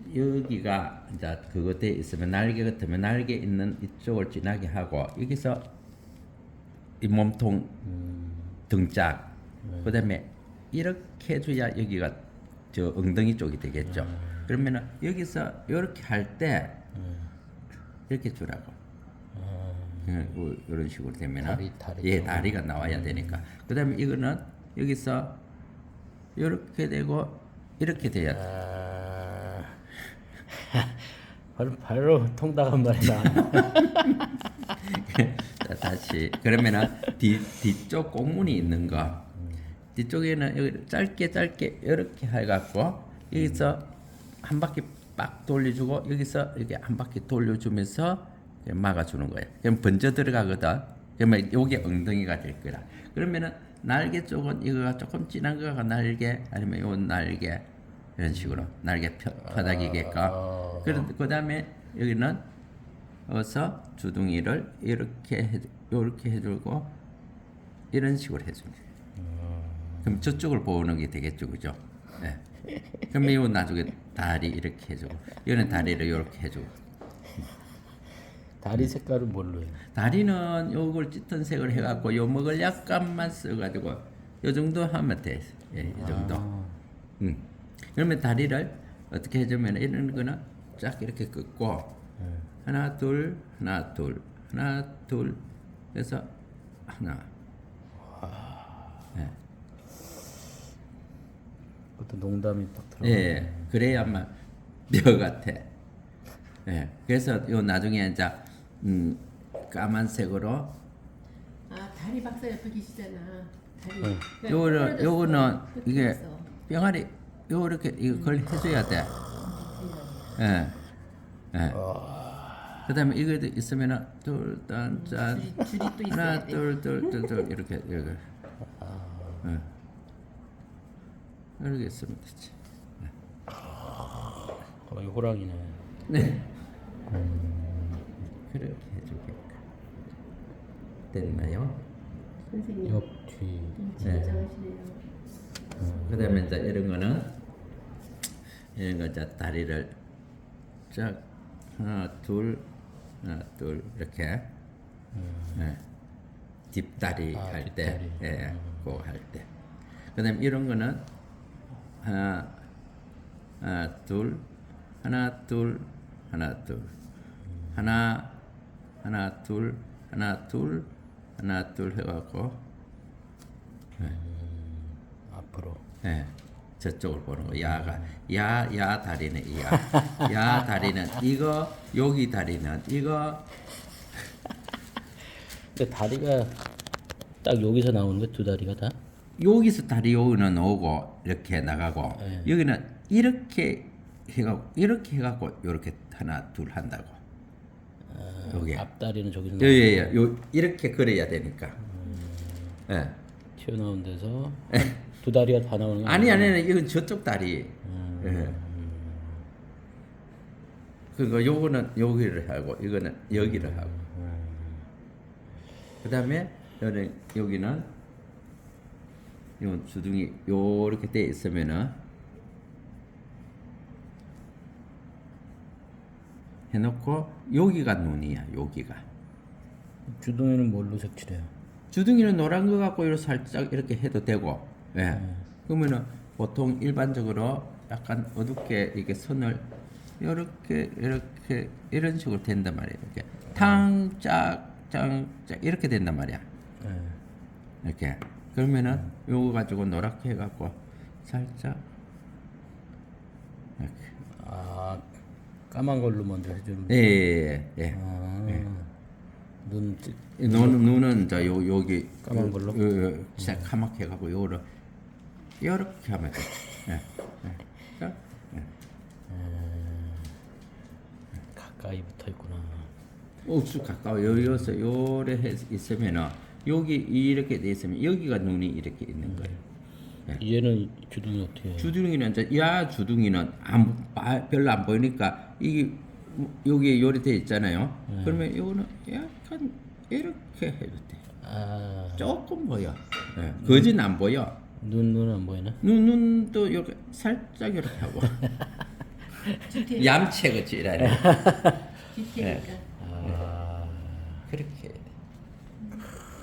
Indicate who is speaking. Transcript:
Speaker 1: 여기가 이제 그거 돼 있으면 날개 같으면 날개 있는 이쪽을 진하게 하고 여기서 이 몸통 등짝 그다음에 이렇게 해줘야 여기가 저 엉덩이 쪽이 되겠죠. 그러면은 여기서 이렇게 할 때 이렇게 주라고. 이런 식으로 되면은 예 다리가 나와야 되니까. 그다음에 이거는 여기서 이렇게 되고 이렇게 돼야 돼.
Speaker 2: 바로 통닭한 말이다.
Speaker 1: 자, 다시 그러면은 뒤쪽 공문이 있는 거 뒤쪽에는 여기 짧게 이렇게 해갖고 여기서 한 바퀴 빡 돌려주고 여기서 이렇게 한 바퀴 돌려주면서 막아주는 거예요. 그럼 번져 들어가거든. 그러면 요게 엉덩이가 될 거라. 그러면은 날개 쪽은 이거가 조금 진한 거가 날개 아니면 요 날개 이런 식으로 날개 바닥이게끔. 그 다음에 여기는 어서 주둥이를 이렇게 해주고 이런 식으로 해줍니다. 그럼 저쪽을 보는 게 되겠죠, 그죠? 네. 그러면 이 나중에 다리 이렇게 해주고 이거는 다리를 이렇게 해주고.
Speaker 2: 다리 색깔은 뭘로 해?
Speaker 1: 다리는 요걸 짙은 색을 해갖고 요목을 약간만 써가지고 요 정도 하면 돼. 예, 이 정도. 그러면 다리를 어떻게 해주면 이런 거는 쫙 이렇게 긋고 하나 둘 하나 둘 하나 둘 해서 하나. 예.
Speaker 2: 어떤 농담이 딱 들어.
Speaker 1: 예, 그래야만 뼈 같아. 예, 그래서 요 나중에 이제 까만색으로
Speaker 3: 아 다리 박사 옆에 계시잖아. 다리.
Speaker 1: 요거는 이게 병아리 요렇게 이걸 해줘야 돼. 예, 예. 그다음에 이거 있으면은 둘짠
Speaker 3: 줄이 또 있어야
Speaker 1: 하나
Speaker 3: 돼.
Speaker 1: 둘 이렇게 예. 이렇게 있으면 되지.
Speaker 2: 이 호랑이네.
Speaker 1: 네. 그렇게 해주게끔 됐나요?
Speaker 3: 선생님.
Speaker 2: 옆 뒤.
Speaker 3: 진정하시네요.
Speaker 1: 그다음에 이제 이런 거는 이런 거 이제 다리를 쫙 하나 둘 이렇게 예. 뒷다리 할 때,
Speaker 2: 뒷다리.
Speaker 1: 예, 그거 할 때. 그다음에 이런 거는 하나 둘 하나 둘 하나 둘 하나 둘 해갖고
Speaker 2: 앞으로.
Speaker 1: 예, 저쪽을 보는 거. 야 다리는 야 다리는 이거 여기 다리는 이거
Speaker 2: 근데 다리가 딱 여기서 나오는 거 두 다리가 다?
Speaker 1: 여기서 다리 여기는 오고 이렇게 나가고 여기는 이렇게 해갖고 이렇게 하나 둘 한다고. 여기
Speaker 2: 앞다리는 저기서
Speaker 1: 예예예 요 이렇게 그려야 되니까. 예.
Speaker 2: 튀어나온 데서 두 다리가 다 나오는 거
Speaker 1: 아니 이건 저쪽 다리. 예. 그거 요거는 여기를 하고 이거는 여기를 하고. 그다음에 여기는 요 주둥이 요렇게 돼 있으면은 해놓고 여기가 눈이야. 여기가
Speaker 2: 주둥이는 뭘로 색칠해요?
Speaker 1: 주둥이는 노란 거 갖고 이렇게 살짝 이렇게 해도 되고. 예. 그러면은 보통 일반적으로 약간 어둡게 이렇게 선을 이렇게 이런 식으로 된단 말이에요. 이렇게 탕짝짱짝 이렇게 된단 말이야. 이렇게 그러면은 요거 가지고 노랗게 해갖고 살짝 이렇게.
Speaker 2: 아 까만 걸로 먼저 해주는.
Speaker 1: 예.
Speaker 2: 눈
Speaker 1: 눈은 저 여기
Speaker 2: 까만 걸로?
Speaker 1: 새카맣게 해갖고 요거를 이렇게 하면 돼. 예. 자,
Speaker 2: 가까이 붙어 있구나.
Speaker 1: 옥수 가까워 여기서 요래 있으면은 여기 이렇게 돼 있으면 여기가 눈이 이렇게 있는 거예요.
Speaker 2: 얘는 주둥이 어떻게 해요?
Speaker 1: 주둥이는 이제 야 주둥이는 별로 안 보이니까 이게 여기 요리 돼 있잖아요. 그러면 요거는 약간 이렇게 해도 돼.
Speaker 2: 아
Speaker 1: 조금 보여. 거진 안 보여.
Speaker 2: 눈은 안 보이나?
Speaker 1: 눈도 이렇게 살짝 이렇게 하고.
Speaker 3: GT.
Speaker 1: 얌체 그치라네.
Speaker 3: GT니까.
Speaker 2: 아,
Speaker 1: 그렇게 해야 돼.